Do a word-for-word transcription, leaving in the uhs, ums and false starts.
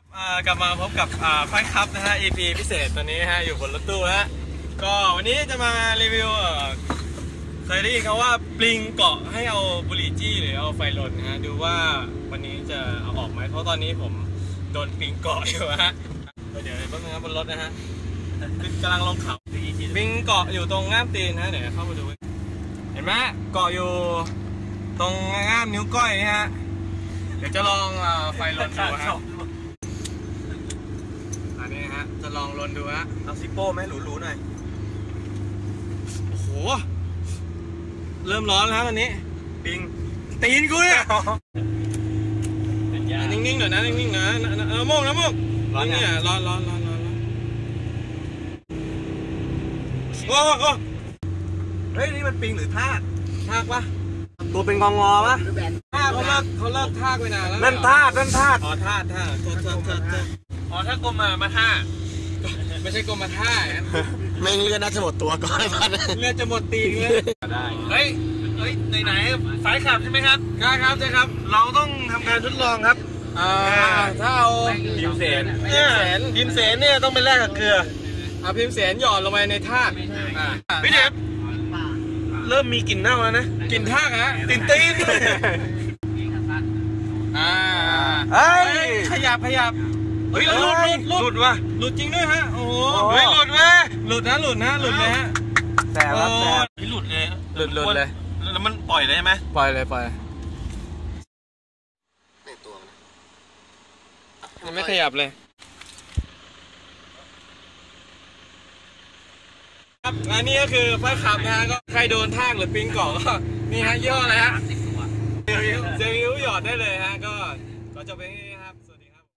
กลับมาพบกับไฟคัพนะฮะ อี พี พิเศษตอนนี้ฮะอยู่บนรถตู้ฮะก็วันนี้จะมารีวิวเคยได้ยินเขาว่าปลิงเกาะให้เอาบุหรี่จี้หรือเอาไฟลนนะฮะดูว่าวันนี้จะเอาออกไหมเพราะตอนนี้ผมโดนปลิงเกาะอยู่ฮะเดี๋ยวแป๊บนึงครับบนรถนะฮะกำลังลงเขาปลิงเกาะอยู่ตรงง่ามตีนฮะเดี๋ยวเข้ามาดูเห็นไหมเกาะอยู่ตรงง่ามนิ้วก้อยนี่ฮะเดี๋ยวจะลองไฟลนดูฮะอันนี้ฮะจะลองลนดูฮะเอาซิปโป้ไหมหรูๆหน่อยโอ้โหเริ่มร้อนแล้วตอนนี้ปิงตีนกูเนี่ยนิ่งๆหน่อยนะนิ่งๆนะเออโมกนะโมกร้อนเนี่ยร้อนร้อนร้อนร้อนโอ้โหเฮ้ยนี่มันปิงหรือทากทากปะตัวเป็นงองอปะทากเขาเลิกเขาเลิกทากไปนานแล้วนั่นทากนั่นทากอ๋อทากทากโทษโทษโทษอ๋อถ้ากลมมามาท่าไม่ใช่กลมมาท่าแม่งเลือดน่าจะหมดตัวก่อนเลือดจะหมดตีนเลยได้เฮ้ยเฮ้ยไหนไหนสายขับใช่ไหมครับใช่ครับใช่ครับเราต้องทำการทดลองครับอ่าถ้าเอาพิมเสนพิมเสนพิมเสนเนี่ยต้องไปแลกกับเกลือเอาพิมเสนหยอดลงไปในทากพี่เด็บเริ่มมีกลิ่นเน่าแล้วนะกลิ่นทากฮะกลิ่นตีนอ่าเฮ้ยขยับขยับเฮ้ยหลุดหลุดหลุดว่ะหลุดจริงด้วยฮะโอ้โหเฮ้ยหลุดเว้ยหลุดนะหลุดนะหลุดเลยฮะแต่ละแต่ไม่หลุดเลยหลุดหลุดเลยแล้วมันปล่อยเลยใช่ไหมปล่อยเลยปล่อยในตัวมันไม่ขยับเลยครับอันนี้ก็คือไฟขับนะฮะก็ใครโดนทากหรือปิงเกาะก็นี่ฮะย่ออะไรฮะเซลล์หยอดได้เลยฮะก็ก็จะเป็น